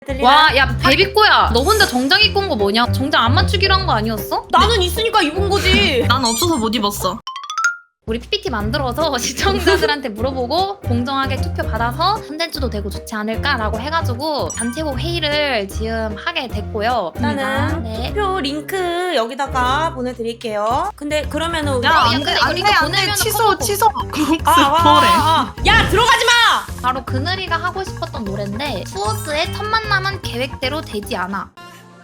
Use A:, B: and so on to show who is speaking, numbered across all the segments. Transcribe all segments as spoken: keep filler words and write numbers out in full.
A: 와, 야, 베비꼬야. 너 혼자 정장 입고 온 거 뭐냐? 정장 안 맞추기로 한 거 아니었어?
B: 나는 있으니까 입은 거지.
C: 난 없어서 못 입었어.
A: 우리 피피티 만들어서 시청자들한테 물어보고 공정하게 투표 받아서 콘텐츠도 되고 좋지 않을까라고 해가지고 단체국 회의를 지금 하게 됐고요.
B: 나는
A: 네.
B: 투표 링크 여기다가 보내드릴게요. 근데 그러면은
C: 야,
A: 야,
C: 안돼
A: 근데 이거
C: 안돼
A: 이거
C: 안돼
A: 보내면은
C: 취소
A: 커버
C: 취소. 국수
B: 아, 와,
C: 보래.
B: 아, 아. 야 들어가지 마.
A: 바로 그늘이가 하고 싶었던 노래인데 수호스의 첫 만남은 계획대로 되지 않아.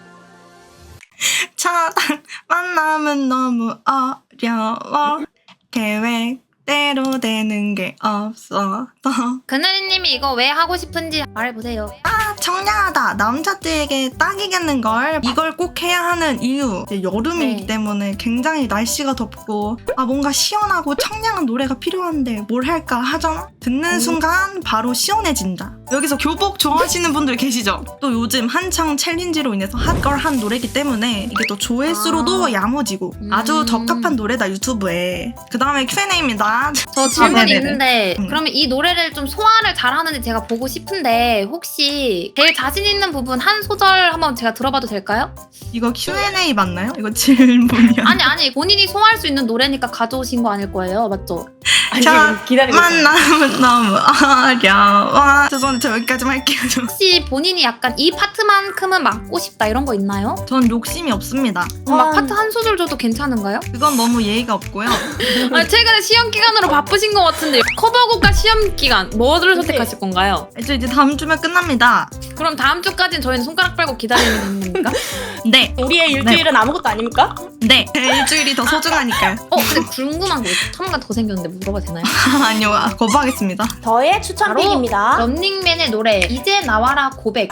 C: 첫 만남은 너무 어려워. 계획대로 되는 게 없어.
A: 그늘이님이 이거 왜 하고 싶은지 말해보세요.
C: 아 청량하다. 남자들에게 딱이겠는걸. 이걸 꼭 해야 하는 이유. 이제 여름이기
A: 네.
C: 때문에 굉장히 날씨가 덥고 아 뭔가 시원하고 청량한 노래가 필요한데 뭘 할까 하잖아. 듣는
A: 음.
C: 순간 바로 시원해진다. 여기서 교복 좋아하시는 분들 계시죠? 또 요즘 한창 챌린지로 인해서 핫걸 한 노래이기 때문에 이게 또 조회수로도
A: 아.
C: 야무지고
A: 음.
C: 아주 적합한 노래다 유튜브에. 그 다음에 큐 앤 에이입니다.
A: 저 질문이
C: 아, 네네네.
A: 있는데
C: 음.
A: 그러면 이 노래를 좀 소화를 잘하는지 제가 보고 싶은데 혹시 제일 자신 있는 부분 한 소절 한번 제가 들어봐도 될까요?
C: 이거 큐 앤 에이 맞나요? 이거 질문이야.
A: 아니 아니 본인이 소화할 수 있는 노래니까 가져오신 거 아닐 거예요, 맞죠?
B: 아니
C: 자,
B: 기다리고 있어.
C: 만남은 너무 어려워. 죄송한데 저 여기까지만 할게요. 저.
A: 혹시 본인이 약간 이 파트만큼은 맡고 싶다 이런 거 있나요?
C: 전 욕심이 없습니다.
A: 막
B: 아.
A: 파트 한 소절 줘도 괜찮은가요?
C: 그건 너무 예의가 없고요.
A: 아니 최근에 시험 기간으로 바쁘신 것 같은데 커버곡과 시험 기간 뭐를 선택하실 건가요?
C: 저 이제 다음 주면 끝납니다.
A: 그럼 다음 주까지는 저희는 손가락 빨고 기다리는 겁니까?
C: 네,
B: 우리의 일주일은 아무것도 아닙니까?
C: 네. 일주일이 더 소중하니까요.
A: 어 근데 궁금한 거 천만 더 생겼는데 물어봐도 되나요?
C: 아니요, 아, 거부하겠습니다.
B: 저의 추천곡입니다.
A: 런닝맨의 노래 이제 나와라 고백.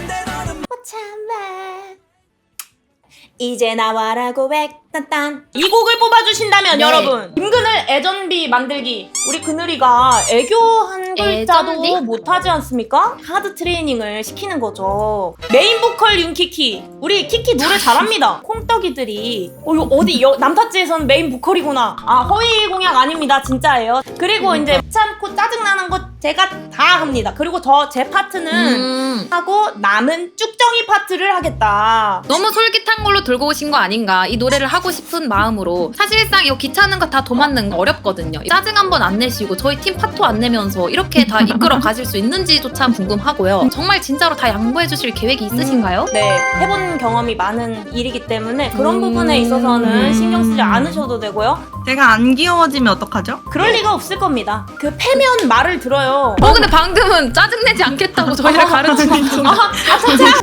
B: 이제 나와라 고백 딴딴 이 곡을 뽑아주신다면
A: 네.
B: 여러분 김그늘 애전비 만들기 우리 그늘이가 애교 한 글자도
A: 애전비?
B: 못하지 않습니까? 하드 트레이닝을 시키는 거죠. 메인 보컬 윤키키 우리 키키 노래 잘합니다. 콩떡이들이 어, 이거 어디 여, 남타지에서는 메인 보컬이구나. 아 허위 공약 아닙니다. 진짜예요. 그리고 이제 참고 짜증나는 거 제가 다 합니다. 그리고 저 제 파트는
A: 음,
B: 하고 남은 쭉정이 파트를 하겠다.
A: 너무 솔깃한 걸로 들고 오신 거 아닌가 이 노래를 하고 싶은 마음으로. 사실상 이거 귀찮은 거 다 도맡는 거 어렵거든요. 짜증 한번 안 내시고 저희 팀 파토 안 내면서 이렇게 다 이끌어 가실 수 있는지조차 궁금하고요. 정말 진짜로 다 양보해 주실 계획이 있으신가요?
B: 네, 해본 경험이 많은 일이기 때문에 그런
A: 음.
B: 부분에 있어서는 신경 쓰지 않으셔도 되고요.
C: 제가 안 귀여워지면 어떡하죠?
B: 그럴 리가 없을 겁니다. 그 패면 말을 들어요.
A: 어 근데 방금은 짜증내지 않겠다고 저희를 가르치는
B: 아, 아 진짜?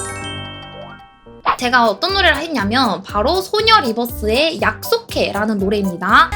A: 제가 어떤 노래를 했냐면 바로 소녀 리버스의 약속해라는 노래입니다.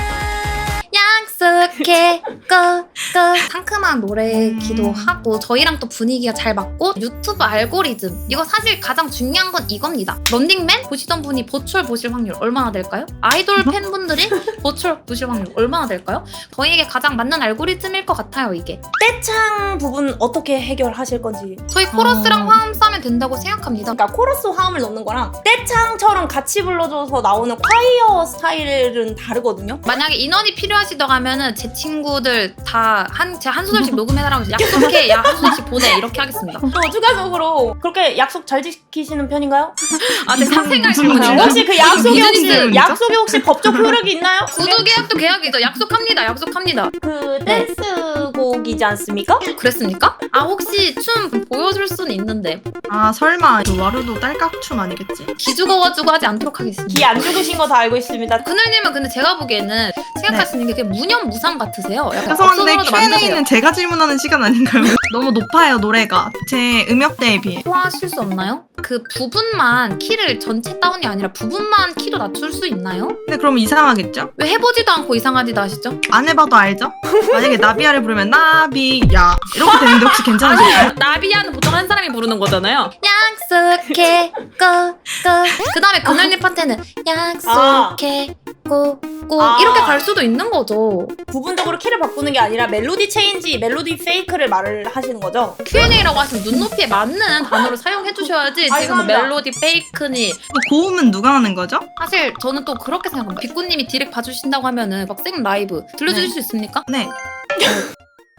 A: 약속해 끄끄 상큼한 노래기도
C: 음.
A: 하고 저희랑 또 분위기가 잘 맞고 유튜브 알고리즘 이거 사실 가장 중요한 건 이겁니다. 런닝맨 보시던 분이 버추얼 보실 확률 얼마나 될까요? 아이돌 팬분들이 버추얼 보실 확률 얼마나 될까요? 저희에게 가장 맞는 알고리즘일 것 같아요 이게.
B: 떼창 부분 어떻게 해결하실 건지.
A: 저희 코러스랑
C: 어.
A: 화음 싸면 된다고 생각합니다.
B: 그러니까 코러스 화음을 넣는 거랑 떼창처럼 같이 불러줘서 나오는 콰이어 스타일은 다르거든요.
A: 만약에 인원이 필요하시다고 하면은 제 친구들 다 한 제가 한 소절씩 녹음해달라고 약속해 야 한 소절씩 보내 이렇게 하겠습니다.
B: 또 추가적으로 그렇게 약속 잘 지키시는 편인가요?
A: 아 제 사생활
C: 무슨
A: 질문인가요?
C: 말이야?
B: 혹시 그 약속에 혹시
C: 비즈니스
B: 약속에 혹시 법적 효력이 있나요?
A: 구두 계약도 계약이죠. 약속합니다. 약속합니다.
B: 그
A: 네.
B: 댄스 곡이지 않습니까?
A: 그랬습니까? 아 혹시 춤 보여줄 수는 있는데
C: 아 설마 그 와르도 딸깍춤 아니겠지?
A: 기 죽어가지고 하지 않도록 하겠습니다.
B: 기 안 죽으신 거 다 알고 있습니다.
A: 그늘님은 근데 제가 보기에는 생각하시는 게 그냥 무념무상 같으세요. 약간
C: 죄송한데
A: 없어서라도
C: 큐 앤
A: 만드세요.
C: 에이는 제가 질문하는 시간 아닌가요? 너무 높아요 노래가 제 음역대에 비해.
A: 소화하실 수 없나요? 그 부분만 키를 전체 다운이 아니라 부분만 키도 낮출 수 있나요?
C: 근데 그럼 이상하겠죠?
A: 왜 해보지도 않고 이상하지도 하시죠?
C: 안 해봐도 알죠? 만약에 나비야를 부르면 나비야 이렇게 되는데 혹시 괜찮으실까요?
A: 나비야는 보통 한 사람이 부르는 거잖아요. 약속해 꼬꼬 그 다음에 그늘님 파트는 약속해 꼬꼬
B: 아.
A: 이렇게 갈 수도 있는 거죠.
B: 부분적으로 키를 바꾸는 게 아니라 멜로디 체인지, 멜로디 페이크를 말을 하시는 거죠?
A: 큐 앤 에이라고 하시면 눈높이에 맞는 단어를 사용해 주셔야지
B: 아,
A: 지금 뭐
B: 감사합니다.
A: 멜로디 페이크니
C: 뭐 고음은 누가 하는 거죠?
A: 사실 저는 또 그렇게 생각합니다. 빅구님이 디렉 봐주신다고 하면은 막 생 라이브 들려주실
C: 네.
A: 수 있습니까?
C: 네.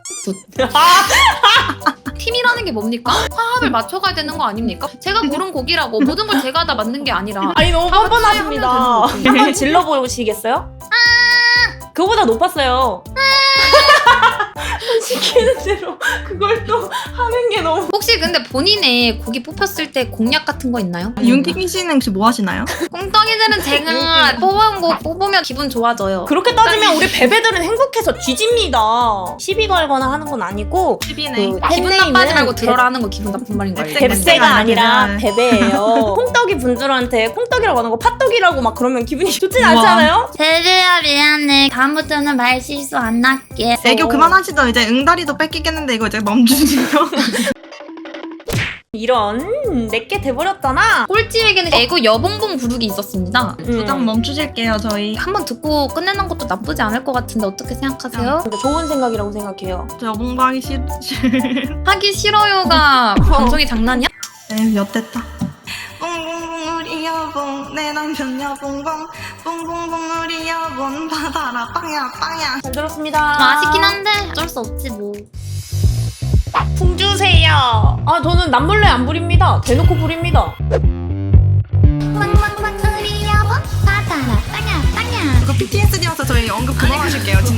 A: 팀이라는 게 뭡니까? 화합을 맞춰가야 되는 거 아닙니까? 제가 고른 곡이라고 모든 걸 제가 다 만든 게 아니라
B: 아니 너무
A: 다 같이
B: 뻔뻔하십니다.
A: 하면 되는 거지.
B: 한번 질러보시겠어요? 그거보다 높았어요. 시키는 대로 그걸 또 하는 게 너무
A: 혹시 근데 본인의 곡이 뽑혔을 때 공약 같은 거 있나요?
C: 윤기기 씨는 혹시 뭐 하시나요?
A: 꽁덩이들은 제가 뽑은 곡 뽑으면 기분 좋아져요.
B: 그렇게 따지면 우리 베베들은 행복해서 뒤집니다. 시비 걸거나 하는 건 아니고
C: 십이네.
B: 그
A: 기분
B: 팬네임은
A: 나빠하지 말고 들어라 하는 거 기분 나쁜 말인 거 알죠?
C: 뎁-
B: 뱁새가 아니라
C: 뎁새가
B: 베베예요. 콩떡이 분들한테 콩떡이라고 하는 거 팥떡이라고 막 그러면 기분이 좋진
C: 우와.
B: 않지 않아요?
A: 베베야 미안해. 다음부터는 말 실수 안 할게.
C: 애교 그만하시죠. 이제 응다리도 뺏기겠는데 이거 이제 멈추시죠.
B: 이런 내게 돼버렸잖아.
A: 꼴찌에게는 애고 여봉봉 부르기 있었습니다.
C: 부장 멈추실게요 저희.
A: 한번 듣고 끝내는 것도 나쁘지 않을 것 같은데 어떻게 생각하세요?
B: 근데 좋은 생각이라고 생각해요.
C: 저 여봉방이 싫...
A: 하기 싫어요가 방송이 장난이야?
C: 에휴 엿됐다. 뽕뽕뽕 우리 여봉 내 남편 여봉봉 뽕뽕뽕 우리 여봉 받아라 빵야 빵야.
B: 잘 들었습니다.
A: 아, 아쉽긴 한데 어쩔 수 없지 뭐.
B: 풍 주세요. 아 저는 남몰래 안 부립니다. 대놓고 부립니다.
A: 빵빵빵 우리 여봉 받아라 빵야 빵야.
C: 이거 피티에스디여서 저희 언급 그만하실게요 진짜.